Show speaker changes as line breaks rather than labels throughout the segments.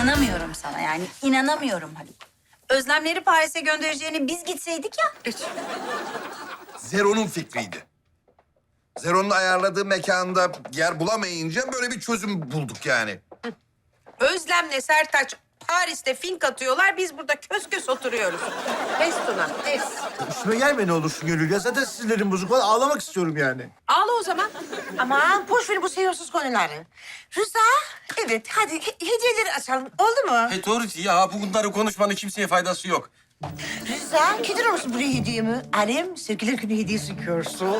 İnanamıyorum sana yani. İnanamıyorum Haluk. Özlemleri Paris'e göndereceğini biz gitseydik ya.
Zero'nun fikriydi. Zero'nun ayarladığı mekanda yer bulamayınca böyle bir çözüm bulduk yani.
Özlem'le Sertaç Paris'te fink atıyorlar. Biz burada kös kös oturuyoruz. Pes Tuna, pes.
Üstüme gelme ne olursun Gönül ya. Zaten sinirlerim bozuk. Vallahi ağlamak istiyorum yani.
Ağla o zaman.
Aman boş ver bu sevimsiz konuları. Rıza, evet hadi hediyeleri açalım. Oldu mu?
Doğru ya. Bunları konuşmanın kimseye faydası yok.
Rıza, getirir misin buraya hediyemi? Annem sevgililer günü hediyesi görsün.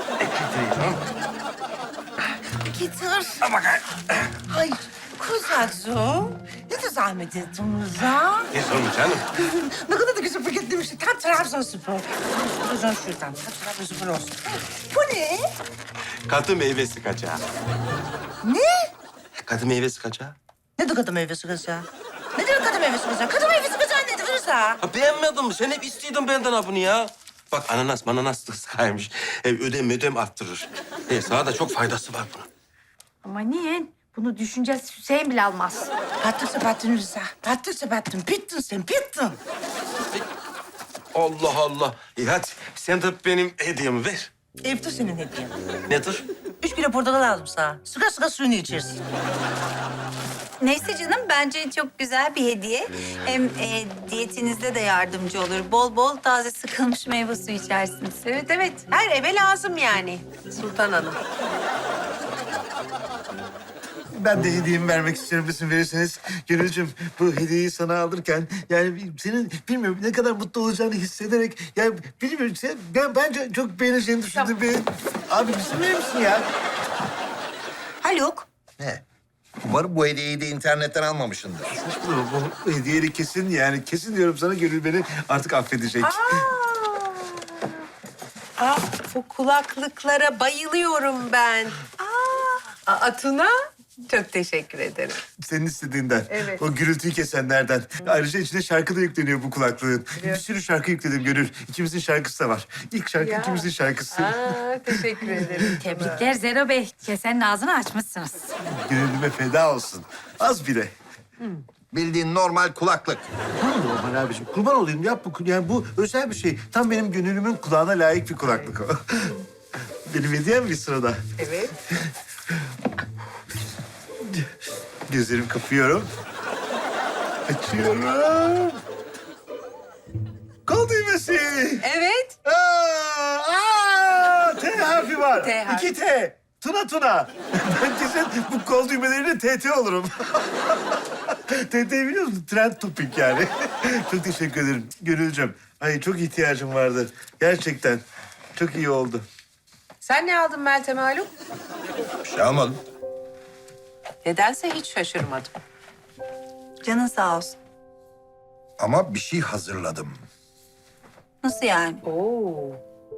Getir. Ay kuzacığım. Ne de zahmet ettin Rıza.
Ne sorun canım?
Ne kadar da güzel paketlemişsin. Tam Trabzonspor. Şuradan şuradan. Tam Trabzonspor olsun. Bu ne?
Katı meyvesi kaçağı.
Ne?
Katı meyvesi kaçağı.
Ne de kadın meyvesi kaçağı? Ne demek kadın meyvesi kaçağı? Kadın meyvesi kaçağı nedir Rıza?
Ha, beğenmedin mi? Sen hep istiyordun benden ha bunu ya. Bak ananas sıkaymış. Ödem arttırır. Sana da çok faydası var bunun.
Ama niye? Bunu düşüneceğiz. Hüseyin bile almaz.
Battın battın Rıza. Battın battın. Bittin sen bittin.
Allah Allah. Hadi sen de benim hediyemi ver.
Evde senin hediyen.
Nedir?
3 kilo portakal lazım sana. Sıka sıka suyunu içersin.
Neyse canım bence çok güzel bir hediye. Hem diyetinizde de yardımcı olur. Bol bol taze sıkılmış meyve suyu içersiniz.
Evet evet. Her eve lazım yani Sultan Hanım.
Ben de hediyemi vermek istiyorum izin verirseniz. Gönülcüm bu hediyeyi sana alırken yani senin bilmiyorum ne kadar mutlu olacağını hissederek yani bilmiyorum ben bence çok beğeneceğini düşündüm. Abi izin verir misin ya?
Haluk.
Ne? Umarım bu hediyeyi de internetten almamışsındır.
Saçmalama bu hediyeyi kesin yani kesin diyorum sana Gönül beni artık affedecek.
Bu kulaklıklara bayılıyorum ben. Tuna, çok teşekkür ederim.
Senin istediğinden.
Evet.
O gürültüyü kesenlerden. Ayrıca içine şarkı da yükleniyor bu kulaklığın. Bir sürü şarkı yükledim Gönül. İkimizin şarkısı da var. İlk şarkı
Ya.
ikimizin şarkısı.
Teşekkür ederim.
Tebrikler Zero Bey. Kesenin ağzını açmışsınız.
Gönlüme feda olsun. Az bile.
Bildiğin normal kulaklık.
Normal abiciğim. Kurban olayım yap bu. Yani bu özel bir şey. Tam benim gönlümün kulağına layık bir kulaklık o. Benim hediyem bir sırada.
Evet.
Gözlerimi kapıyorum. Açıyorum. Kol düğmesi.
Evet.
T harfi var.
T harfi.
2 T. Tuna. Ben kesin bu kol düğmeleriyle TT olurum. TT'yi biliyor musun? Trend topic yani. Çok teşekkür ederim Gönülcüm. Ay çok ihtiyacım vardı. Gerçekten. Çok iyi oldu.
Sen ne aldın Meltem Haluk?
Bir şey almadım.
Nedense hiç şaşırmadım.
Canın sağ olsun.
Ama bir şey hazırladım.
Nasıl yani?
Oo.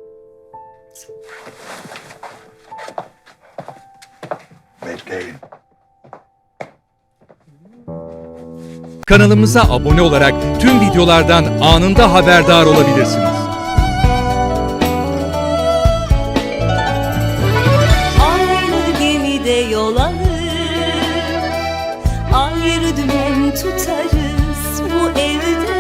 Bekleyin.
Kanalımıza abone olarak tüm videolardan anında haberdar olabilirsiniz.
Aynı gemide yol alır, ayrı dümen tutarız bu evde.